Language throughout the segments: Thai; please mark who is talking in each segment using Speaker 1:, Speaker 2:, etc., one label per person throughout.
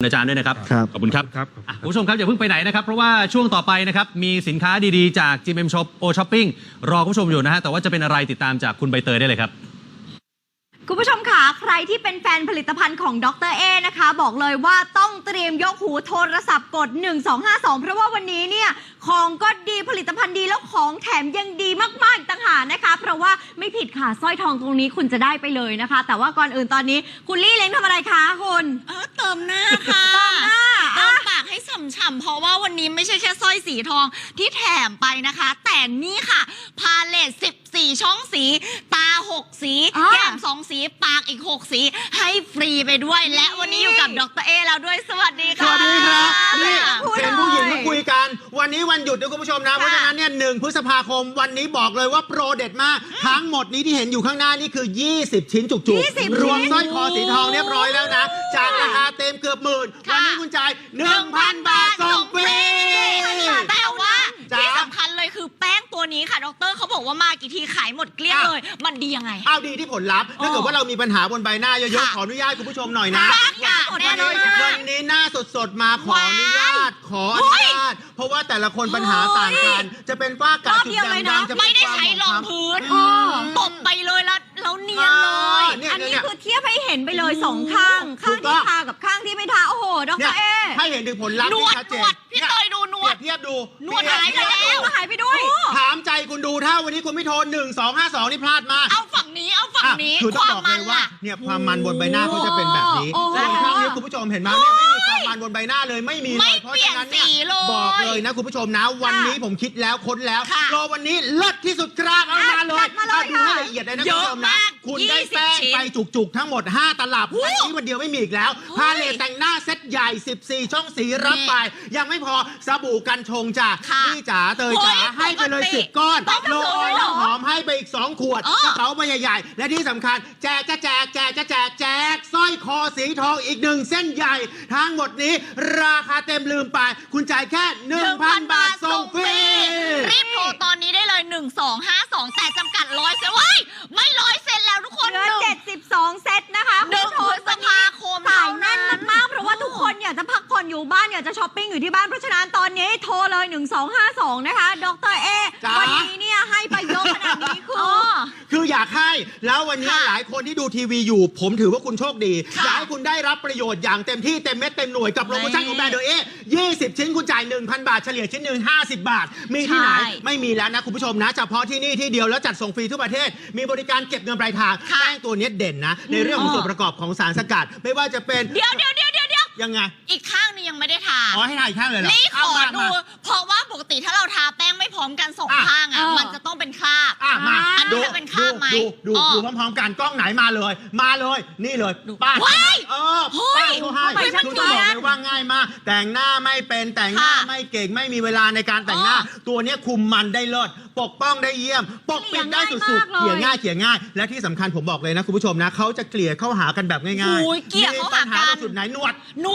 Speaker 1: อาจารย์ด้วยนะครับขอบคุณครับคุณผู้ชมครับอย่าเพิ่งไปไหนนะครับเพราะว่าช่วงต่อไปนะครับมีสินค้าดีๆจาก GMM Shop O Shopping รอคุณผู้ชมอยู่นะฮะแต่ว่าจะเป็นอะไรติดตามจากคุณใบเตยได้เลยครับ
Speaker 2: คุณผู้ชมค่ะใครที่เป็นแฟนผลิตภัณฑ์ของดร.เอนะคะบอกเลยว่าต้องเตรียมยกหูโทรศัพท์กด1252เพราะว่าวันนี้เนี่ยของก็ดีผลิตภัณฑ์ดีแล้วของแถมยังดีมากๆต่างหากนะคะเพราะว่าไม่ผิดค่ะสร้อยทองตรงนี้คุณจะได้ไปเลยนะคะแต่ว่าก่อนอื่นตอนนี้คุณลี่เล้งทำอะไรคะคุณ
Speaker 3: เติมหน้าค่ะเติมหน้าเติมปากให้ฉ่ำๆเพราะว่าวันนี้ไม่ใช่แค่สร้อยสีทองที่แถมไปนะคะแต่นี่ค่ะพาเลต14ช่องสีตา6สีแก้ม2สีปากอีก6สีให้ฟรีไปด้วยและวันนี้อยู่กับดร.เอแล้วด้วยสวัสดีค่ะ
Speaker 4: สวัสดีครับนี่เป็นผู้หญิงมาคุยกันวันนี้วันหยุดนะคุณผู้ชมนะเพราะฉะนั้นเนี่ย1 พฤษภาคมวันนี้บอกเลยว่าโปรเด็ดมากทั้งหมดนี้ที่เห็นอยู่ข้างหน้านี่คือ20ชิ้นจุกๆรวมสร้อยคอสีทองเรียบร้อยแล้วนะจากราคาเต็มเกือบหมื่นวันนี้คุณจ่าย 1,000 บาทส่งฟรี
Speaker 3: แต่ว่าที่สำคัญเลยคือแป้งตัวนี้ค่ะดร.เขาบอกว่ามากี่ทีขายหมดเกลี้ยงเลยมันดียังไง
Speaker 4: ดีที่ผลลัพธ์ถ้าเกิดว่าเรามีปัญหาบนใบหน้าเยอะๆขออนุญาตคุณผู้ชมหน่อยนะวันนี้หน้าสดๆมาขออนุญาตเพราะว่าแต่ละคนปัญหาต่างกันจะเป็นฝ้ากระจุดด่างๆจะ
Speaker 3: ไม่ได้ใช้รองพื้นตบไปเลยแล้วเนียนเลย
Speaker 2: อันนี้คือเทียบให้เห็นไปเลย2ข้างที่ทากับข้างที่ไม่ทาโอ้โหดร.เอ
Speaker 4: ให้เห็นถึงผลลัพธ์ที่ชัดเจน
Speaker 3: พี่เตยดูนวด
Speaker 4: เทียบดู
Speaker 3: นวดหายไปแล้ว
Speaker 2: หายไปด้วย
Speaker 4: ถามใจคุณดูถ้าวันนี้คุณไม่โทร1252นี่พลาดมาก
Speaker 3: เอาฝั่งนี้
Speaker 4: คือต้องบอกเลยว่าเนี่ยความมันบนใบหน้าเขาจะเป็นแบบนี้ส่วนข้างนี้คุณผู้ชมเห็นไหมเนี่ยไม่มีความมันบนใบหน้าเลยไม่มีเลยเพราะฉะนั้นเนี่ยบอกเลยนะคุณผู้ชมนะวันนี้ผมคิดแล้วค้นแล้วรอวันนี้เลิศที่สุดครับเอามาเลยดูให้ละเอียดเลยนะคุณผู้ชมนะคุณได้แป้งไปจุกๆทั้งหมด5 ตลับวันนี้วันเดียวไม่มีอีกแล้วพาเลตแต่งหน้าเซตใหญ่14ช่องสีรับไปยังไม่พอสบู่กันชงจ้ะนี่จ๋าเตยจ๋าให้ไปเลย10 ก้อนโลออยล์หอมให้ไปอีก2 ขวดกระเป๋าใบใหญ่ๆและที่สำคัญแจกสร้อยคอสีทองอีก1 เส้นใหญ่ทั้งหมดนี้ราคาเต็มลืมไปคุณจ่ายแค่ 1,000 บาทส่งฟรี
Speaker 3: รีบโทรตอนนี้ได้เลย1252แต่จำกัด100 เซตไม่100 เซตแล้วทุกคน
Speaker 2: เหลือ72 เซตนะคะ
Speaker 3: 1 พฤษภาคม
Speaker 2: สายแน่นมากเพราะว่าทุกคนอยากจะพักผ่อนอยู่บ้านอยากจะช้อปปิ้งอยู่ที่บ้านเพราะฉะนั้นตอนนี้โทรเลย1252นะคะดร.เอวันนี้เนี่ยให้ไปเยอะขนาดนี้
Speaker 4: คืออยากให้แล้ววันนี้หลายคนที่ดูทีวีอยู่ผมถือว่าคุณโชคดีอยากให้คุณได้รับประโยชน์อย่างเต็มที่เต็มเม็ดเต็มหน่วยกับโปรโมชั่นของแบรนด์เอ20 ชิ้นคุณจ่าย 1,000 บาทเฉลี่ยชิ้นหนึ่ง50 บาทมีที่ไหนไม่มีแล้วนะคุณผู้ชมนะเฉพาะที่นี่ที่เดียวแล้วจัดส่งฟรีทั่วประเทศมีบริการเก็บเงินปลายทางแป้งตัวนี้เด่นนะในเรื่องของส่วนประกอบของสารสกัดไม่ว่าจะเป็น
Speaker 3: เดี๋ยว
Speaker 4: ยังไง
Speaker 3: อีกข้างนึงยังไม่ได้ทา
Speaker 4: ให้ทาอีกข้างเลยเหรอ
Speaker 3: นี่ขอดูเพราะว่าปกติถ้าเราทาแป้งไม่พร้อมกัน2 ข้างมันจะต้องเป็นคราบ
Speaker 4: มา
Speaker 3: อันนี้จะเป็นคราบไหม
Speaker 4: ดูพร้อมๆกันกล้องไหนมาเลยนี่เลยป้าป้าเขาให้คือต้องบอกเลยว่าง่ายมากแต่งหน้าไม่เป็นแต่งหน้าไม่เก่งไม่มีเวลาในการแต่งหน้าตัวนี้คุมมันได้เลิศปกป้องได้เยี่ยมปกปิดได้สุดๆเกลี่ยง่ายและที่สำคัญผมบอกเลยนะคุณผู้ชมนะเขาจะเกลี่ยเข้าหากันแบบง่าย
Speaker 3: ๆเกลี่ยเข้าหากัน
Speaker 4: สุดไหนนวด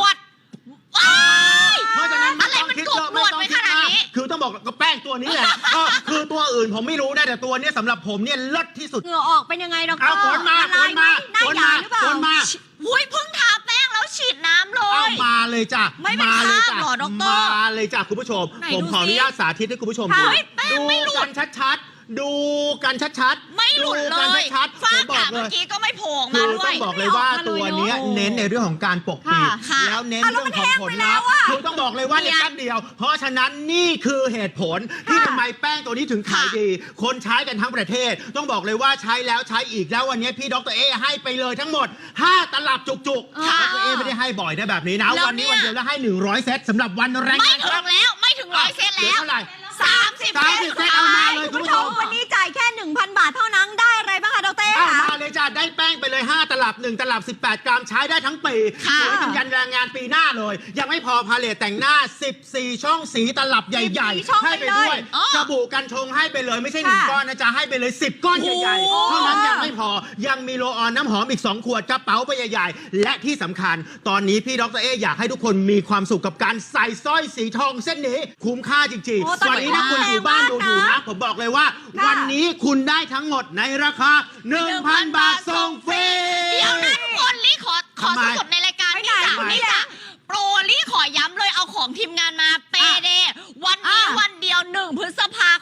Speaker 3: เพราะฉะนั้นอะไรมันกบนวดไปขนาดนี้
Speaker 4: คือต้องบอกก็แป้งตัวนี้แหละคือตัวอื่นผมไม่รู้นะแต่ตัวนี้สำหรับผมเนี่ยเลิศที่สุด
Speaker 2: เหงื่อออกเป็นยังไงดร.
Speaker 4: ฝนมา
Speaker 2: หน้าหยาหรือเปล่า
Speaker 3: เพิ่งทาแป้งแล้วฉีดน้ำเลย
Speaker 4: มาเลยจ้ะ
Speaker 3: ไม่เป็นคราบหรอดร.
Speaker 4: มาเลยจ้ะคุณผู้ชมผมขออนุญาตสาธิตให้คุณผู้ชมดูกันชัดดูกันชัด
Speaker 3: ไม่หลุดเลยฝ้ากระเมื่อกี้ก็ไม่โผล่มาด้วย
Speaker 4: ต้องบอกเลยว่าตัวนี้เน้นในเรื่องของการปกปิดแล้วเน้นเรื่องของผลลัพธ์คือต้องบอกเลยว่าในแป๊บเดียวเพราะฉะนั้นนี่คือเหตุผลที่ทำไมแป้งตัวนี้ถึงขายดีคนใช้กันทั้งประเทศต้องบอกเลยว่าใช้แล้วใช้อีกแล้ววันนี้พี่ดร.เอให้ไปเลยทั้งหมด5 ตลับจุกๆดร.เอไม่ได้ให้บ่อยนะแบบนี้นะวันนี้วันเดียวแล้วให้100 เซตสำหรับวันแรง
Speaker 3: ไม่ถึง100 เซตแล้ว
Speaker 4: เท่าไหร่
Speaker 3: 30
Speaker 4: เซตเอามาเลยคุณผู้ชม
Speaker 2: วันนี้จ่ายแค่ 1,000 บาทเท่านั้นได้อะไรบ้างคะดร.เอ
Speaker 4: มาเลยจ้ะได้แป้งไปเลย5 ตลับ1 ตลับ18 กรัมใช้ได้ทั้งปีสวยถึงยันแรงงานปีหน้าเลยยังไม่พอพาเลตแต่งหน้า14 ช่องสีตลับใหญ่ๆให้ไปด้วยสบู่กันชงให้ไปเลยไม่ใช่1 ก้อนนะจ๊ะให้ไปเลย10 ก้อนใหญ่ๆเท่านั้นยังไม่พอยังมีโรลออนน้ำหอมอีก2 ขวดกระเป๋าใบใหญ่ๆและที่สำคัญตอนนี้พี่ดร.เออยากให้ทุกคนมีความสุขกับการใส่สร้อยสีทองเส้นนี้คุ้มค่าจริงๆวันนี้นะคุณอยู่บ้านดูอยู่นะผมบอกเลยว่าวันนี้คุณได้ทั้งหมดในราคา 1,000 บาทส่งฟรี
Speaker 3: เดี๋ยวนะทุกคนลี่ขอสดในรายการนี่จ้ะโปร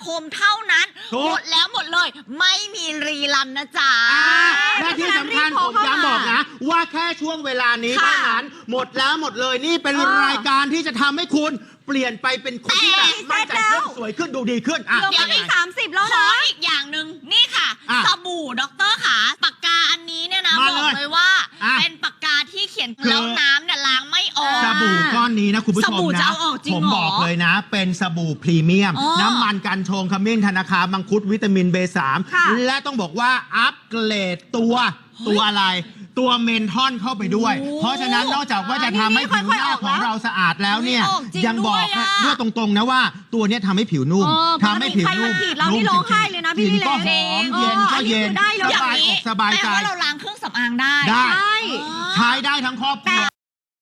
Speaker 3: มเท่านั้น
Speaker 4: ถูก
Speaker 3: หมดแล้วหมดเลย ไม่มีรีรันนะจ๊ะ
Speaker 4: และที่สำคัญผมย้ำบอกนะ ว่าแค่ช่วงเวลานี้
Speaker 3: ค่ะ
Speaker 4: เท่านั้นหมดแล้วหมดเลยนี่เป็นรายการที่จะทำให้คุณเปลี่ยนไปเป็นคนที่แบบมั่นใจขึ้นสวยขึ้นดูดีขึ้นอ่ะ
Speaker 2: เหลือไม่
Speaker 4: ยังไง
Speaker 2: 30 แล้ว
Speaker 3: ขอ
Speaker 2: นะ
Speaker 3: อีกอย่างหนึ่งนี่ค่ะ
Speaker 4: อ่ะ
Speaker 3: สบู่ด็อกเตอร์ขาปากกาอันนี้เนี่ยนะ
Speaker 4: มา
Speaker 3: บอก
Speaker 4: เลย
Speaker 3: เลยว่า
Speaker 4: อ่ะ
Speaker 3: เป็นปากกาที่เขียน
Speaker 4: คือ
Speaker 3: แล้วน้ำเนี่ยล้างไม่ออก
Speaker 4: สบู่ก้อนนี้นะคุณผู้ช
Speaker 3: ส
Speaker 4: ม
Speaker 3: บู่จะ
Speaker 4: นะ
Speaker 3: เอาออกจริง
Speaker 4: ผม
Speaker 3: เหรอ
Speaker 4: บอกเลยนะ เป็นสบู่พรีเมียม
Speaker 3: อ๋อ
Speaker 4: น้ำมันกันชงขมิ้นธนาคารมังคุดวิตามิน B3
Speaker 2: ค่ะ
Speaker 4: และต้องบอกว่าอัปเกรดตัวอะไร ตัวเมนทอนเข้าไปด้วย
Speaker 3: โอ้
Speaker 4: เพราะฉะนั้นนอกจากว่าจะทำให้ผิวหน้าของเราสะอาดแล้วเนี่ย
Speaker 3: ออกจริง
Speaker 4: ยังบอก
Speaker 3: ด้วยอะ
Speaker 4: ด้วยตรงๆนะว่าตัวเนี้ยทำให้ผิวนุ่ม
Speaker 2: ปก
Speaker 4: ทำให้
Speaker 2: ติ
Speaker 4: ผิว
Speaker 2: ใคร
Speaker 4: นุ่
Speaker 2: มาม ฉีดเรานี่ร้องไห้เลยนะพี่
Speaker 4: กลิ่นก็ห
Speaker 2: เล็
Speaker 4: อก มเย็นก็เย็น
Speaker 2: อันนี้คือได้เลย
Speaker 4: สบายอกสบายใจ
Speaker 3: แปลว่าเราล้างเครื่องสำอางได้
Speaker 4: ได้
Speaker 2: ใช่
Speaker 4: ใช้ได้ทั้งครอบครัว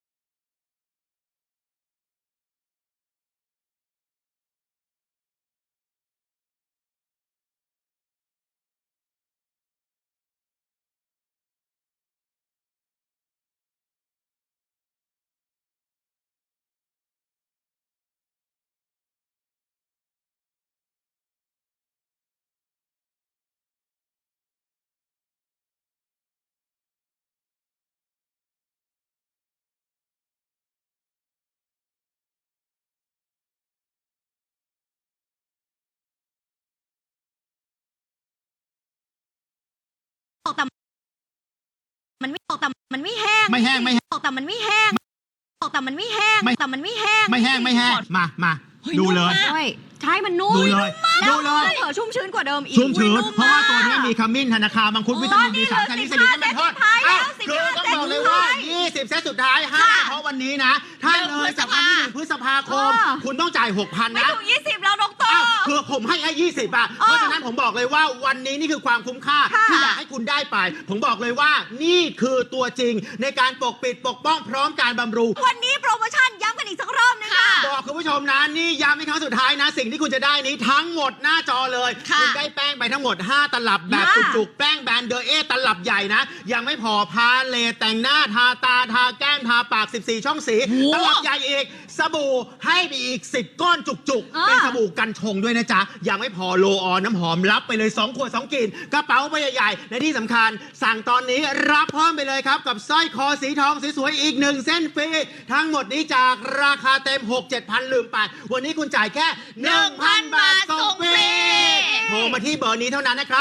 Speaker 2: มันไม่ออกแต่มันไม่แห้ง
Speaker 4: ไม่แห้งไม่แห้ง
Speaker 2: ออกแต่มันไม่แห้งออกแต่มันไม่แห้ง
Speaker 4: ไม่
Speaker 2: แต่มันไม่แห้ง
Speaker 4: ไม่แห้งไม่แห้งมา
Speaker 3: เฮ้ย
Speaker 4: ดู
Speaker 3: นุ่ม
Speaker 4: เลย
Speaker 3: มาก
Speaker 2: ใช่ใช่มันนุ่ม
Speaker 4: ดูเลย
Speaker 2: แล้ว
Speaker 4: ดูเลย
Speaker 2: เผลอชุ่มชื้นกว่าเดิมอีก
Speaker 4: ชุ่มชื้น
Speaker 2: อุ๊ย
Speaker 4: เพราะว่าตัวนี้
Speaker 2: ก
Speaker 4: มีขมิ้นธนาคารมังคุดวิตามิน B3 ชนิดสลิดและเมนทอน
Speaker 2: 15 เซตสุดท้ายแล้ว
Speaker 4: คือต้องบอกเลยว่า 20 เซตสุดท้ายให้เฉพาะวันนี้นะ ถ้าเลยจากวันที่1 พฤษภาคม คุณต้องจ่าย 6,000
Speaker 2: ไม่
Speaker 4: นะ
Speaker 2: ถึง20 แล้วดอกเตอ
Speaker 4: อ้าว
Speaker 2: ร์
Speaker 4: คือผมให้แค่20อ่ะเพราะฉะนั้นผมบอกเลยว่าวันนี้นี่คือความคุ้มค่า
Speaker 2: ค่ะ
Speaker 4: ที่อยากให้คุณได้ไป ผมบอกเลยว่านี่คือตัวจริงในการปกปิดปกป้องพร้อมการบำรุง
Speaker 2: วันนี้โปรโมชั่นย้ำกันอีกสักรอบนึงค่ะ
Speaker 4: บอกคุณผู้ชมนะนี่ย้ำในครั้งสุดท้ายนะ สิ่งที่คุณจะได้นี้ทั้งหมดหน้าจอเลย
Speaker 3: ค่ะ
Speaker 4: ณได้แป้งไปทั้งหมด 5 ตลับแบบ
Speaker 2: ค่ะ
Speaker 4: จุกๆ แป้งแบรนด์เดอเอตลับใหญ่นะ ยังไม่พอพาเลตแต่งหน้าทาตาทาแก้มทาปาก 14 ช่องสี ตลับใหญ่อีก สบู่ให้ไปอีก 10 ก้อนจุกๆ เป็นสบู่กันชงด้วยนะจ๊ะ ยังไม่พอโลออนน้ำหอมรับไปเลย 2 ขวด 2กลิ่นกระเป๋าใบใหญ่ๆและที่สำคัญ สั่งตอนนี้รับเพิ่มไปเลยครับกับสร้อยคอสีทองสวยๆอีก 1 เส้นฟรีทั้งหมดนี้จากราคาเต็ม 6-7,000 ลืมไป วันนี้คุณจ่ายแค่ 1,000 บาทส่งฟรีโทรมาที่เบอร์นี้เท่านั้นนะครับ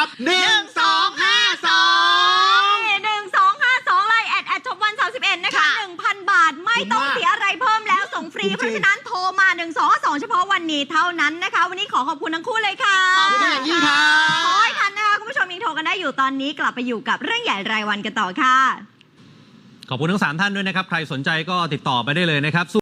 Speaker 4: 1252
Speaker 2: 1252 ไลน์แอดจบวัน31นะคะ
Speaker 3: ค่ะ
Speaker 2: 1,000 บาทไม่ต้องเสียอะไรเพิ่มแล้วส่งฟรี
Speaker 4: จริงๆ
Speaker 2: เพราะฉะนั้นโทรมา 1252 เฉพาะวันนี้เท่านั้นนะคะ วันนี้ขอขอบคุณทั้งคู่เลยค่ะ
Speaker 4: ขอบคุณอย่างยิ่งครับ
Speaker 2: ขอให้ทันนะคะ คุณผู้ชมยังโทรกันได้อยู่ตอนนี้กลับไปอยู่กับเรื่องใหญ่รายวันกันต่อค่ะ
Speaker 1: ขอบคุณทั้ง 3 ท่านด้วยนะครับ ใครสนใจก็ติดต่อไปได้เลยนะครับ